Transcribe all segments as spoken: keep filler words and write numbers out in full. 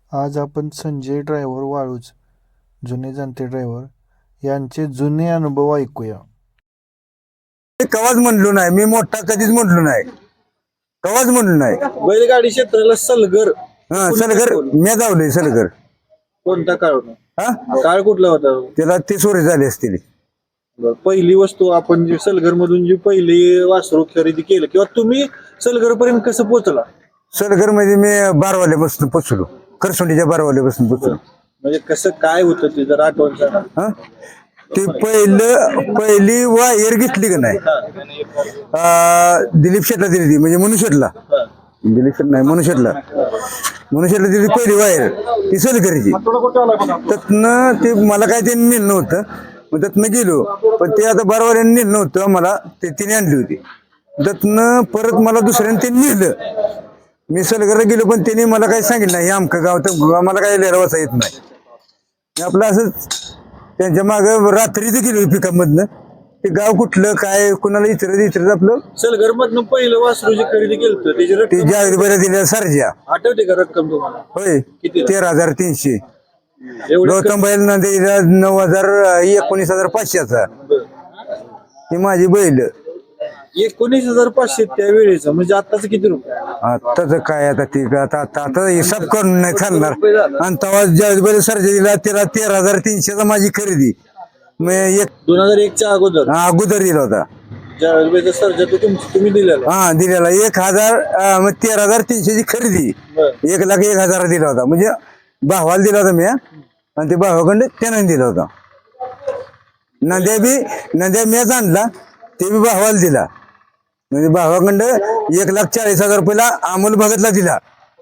आज आपण संजय ड्रायव्हर वाळूज जुने जाणते ड्रायव्हर यांचे जुने अनुभव ऐकूया. मी कवाच म्हणलो नाही, मी मोठा कधीच म्हणलो नाही, कवाच म्हणलो नाही. बैलगाडी क्षेत्राला सलगर हा सलगर मी जावलोय सलगर. कोणता काळ होता? हा काळ कुठला होता? त्याला तीस वर्ष झाले असतील. बरं, पहिली वस्तू आपण जी सलगर मधून जी पहिली वासरू खरेदी केलं किंवा तुम्ही सलगर पर्यंत कसं पोहोचला? सलगर मध्ये मी बारवाल्यापासून पोचलो, खरसुंडीच्या बारवाल्यापासून पोचलो. म्हणजे कसं काय होतं ते जर आठवण सांगा. हा ते पहिलं पहिली वायर घेतली का नाही, अं, दिलीप शेटला दिली ती, म्हणजे मनुष्यला हा. दिलीप शेट नाही मनुष्यला मनुष्यला दिली पहिली वायर ती सलगरीची. त्यातनं ते मला काय ते नेलं नव्हतं, मग त्यातनं गेलो. पण ते आता बारवाल्याने नेलं नव्हतं मला, ते तिने आणली होती. त्यातनं परत मला दुसऱ्याने ते नेलं. मी सलगरला गेलो पण त्यांनी मला काही सांगितलं नाही, हे आमचं गाव तर मला काही लिहायला वाचा येत नाही. मी आपलं असंच त्यांच्या मागं रात्रीच गेलो पिकअप मधनं. ते गाव कुठलं काय कुणाला इतर इतर आपलं सलगर मधून पहिलं वासरू जे खरेदी केलं त्याची ते रक्कम जावेद बऱ्या दिल्या सरजा. आठवते का रक्कम तुम्हाला? होय किती? तेरा हजार तीनशे. एवढं गौतम बैल नंदीला नऊ हजार एकोणीस हजार पाचशेचा. ही माझी बैल. एकोणीस हजार पाचशे त्यावेळेच, म्हणजे आताच किती रुपये? आताच काय आता ती आता आता आता हिसाब करून नाही चालणार. आणि तेव्हा जावेद बैल सरजा दिला त्याला तेरा हजार तीनशेचा माझी खरेदी. मी एक दोन हजार एकच्या अगोदर हा, अगोदर दिला होता. ज्या सर्जा तो तुमची तुम्ही दिलेला. हा दिलेला एक हजार अं, मग तेरा हजार तीनशेची खरेदी बरं. एक लाख एक हजार दिला होता. म्हणजे भावाला दिला होता मी, आणि ते भावाकडे त्यानं दिला होता. नद्या बी नद्या मीच आणला, ते बी भावाला दिला. म्हणजे भावाकडं एक लाख चाळीस हजार रुपयाला अमोल भगतला दिला.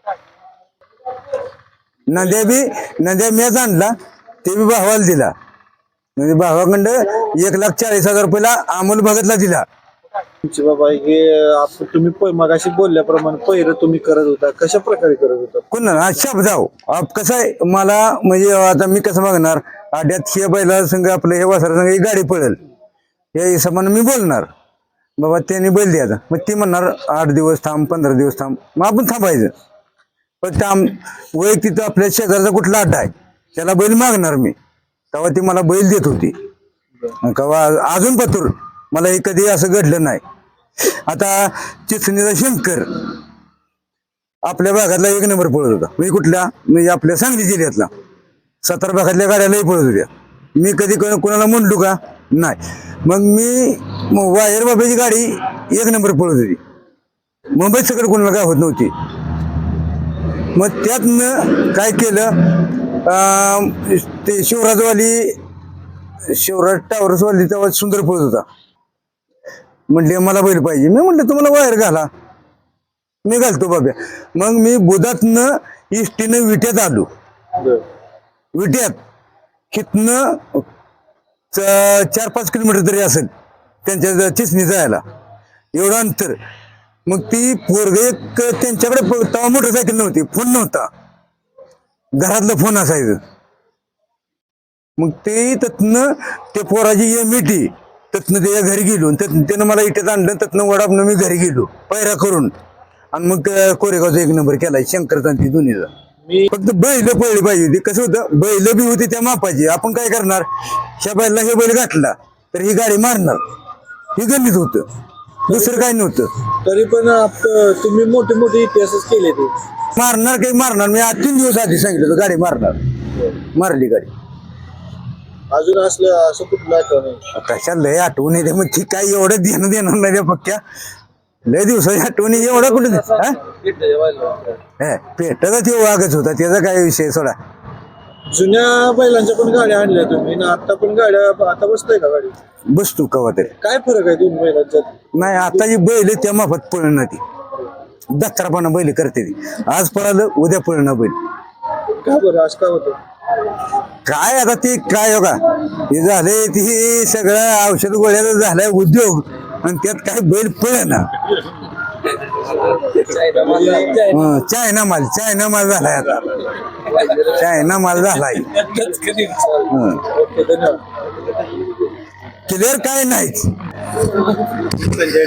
नद्या बी नद्या मीच आणला, ते बी भावाला दिला. म्हणजे भावाकडं एक लाख चाळीस हजार रुपयाला अमोल भगतला दिला. तुमचे बाबा हे आपण तुम्ही प- मगाशी बोलल्याप्रमाणे पहिरं तुम्ही करत होता, कशा प्रकारे करत होता? कोण शाप जाऊ आप कसं आहे मला, म्हणजे आता मी कसं मागणार आड्यात हे बैला संघ आपलं हे वासरा संघ ही गाडी पळेल या हिशोबानं मी बोलणार बाबा त्यांनी बैल द्यायचा. मग ती म्हणणार आठ दिवस थांब पंधरा दिवस थांब, मग आपण थांबायचं. पण त्या वैयक्तिक तिथं आपल्या शेजारचा कुठला अड्डा आहे त्याला बैल मागणार मी, तेव्हा ती मला बैल देत होती. केव्हा अजून पतूर मला हे कधी असं घडलं नाही. आता चिचणीचा शंकर आपल्या भागातला एक नंबर पळत होता. म्हणजे कुठल्या म्हणजे आपल्या सांगली जिल्ह्यातला सतरा भागातल्या गाड्यालाही पळत होत्या. मी कधी कोणाला म्हणलो का नाही. मग मी मग वायर बाबाची गाडी एक नंबर पळत होती. मुंबईत सगळं कोणाला काय होत नव्हती. मग त्यातनं काय केलं, अं, ते शिवराजवाली शिवराज टावरसवाली तेव्हा सुंदर पळत होता. म्हटले मला बैल पाहिजे. मी म्हटलं तुम्हाला वायर घाला, मी घालतो बाब्या. मग मी बुधातनं इष्टीनं विट्यात आलो. विट्यात कितनं चार पाच किलोमीटर तरी असेल त्यांच्या चिचणी जायला, एवढं अंतर. मग ती पोरग एक त्यांच्याकडे तेव्हा मोटरसायकल नव्हती, फोन नव्हता, घरातलं फोन असायचं. मग ते त्यातनं ते पोराची ये मिठी त्यातनं त्याच्या घरी गेलो. त्यानं मला इट्यात आणलं, त्यातनं वडापनं मी घरी गेलो पायरा करून. आणि मग कोरेगावचा एक नंबर केलाय शंकरचा ती दोन्हीचा. मी फक्त बैल पळली पाहिजे होती. कसं होतं बैल बी होती त्या मापाची. आपण काय करणार, ह्या बैलला हे बैल घातला तर ही गाडी मारणार, ही गणित होतं, दुसरं काय नव्हतं. तरी पण आप- तुम्ही मोठे मोठे इतिहासच केले ते. मारणार काही मारणार, मी आज तीन दिवस आधी सांगितलं होतं गाडी मारणार, मारली गाडी. अजून असलं असं कुठलं आठवण आहे? कशा लय आठवण येते मग ती काही एवढं देणं देणार नाही त्या पक्क्या लय दिवसाची आठवण एवढा कुठे पेटाचा ते वागच होता, त्याचा काय विषय सोडा. जुन्या बैलांच्या पण गाड्या आणल्या तुम्ही ना, आता पण गाड्या आता बसताय का गाडी? बसतो कवा तरी. काय फरक आहे दोन बैलांच्यात? नाही आता जी बैल त्या माफत पळणार ती दत्तरापणा बैल करते ती. आज पळालं उद्या पळणार बैल. का बरं असं का होतं? काय आता ते काय हो का हे झाले ती सगळं औषध गोळ्याचं झालंय उद्योग, आणि त्यात काय बैल पळना. चायना माल चायना माल झालाय आता, चायना माल झालाय. क्लिअर काय नाहीच.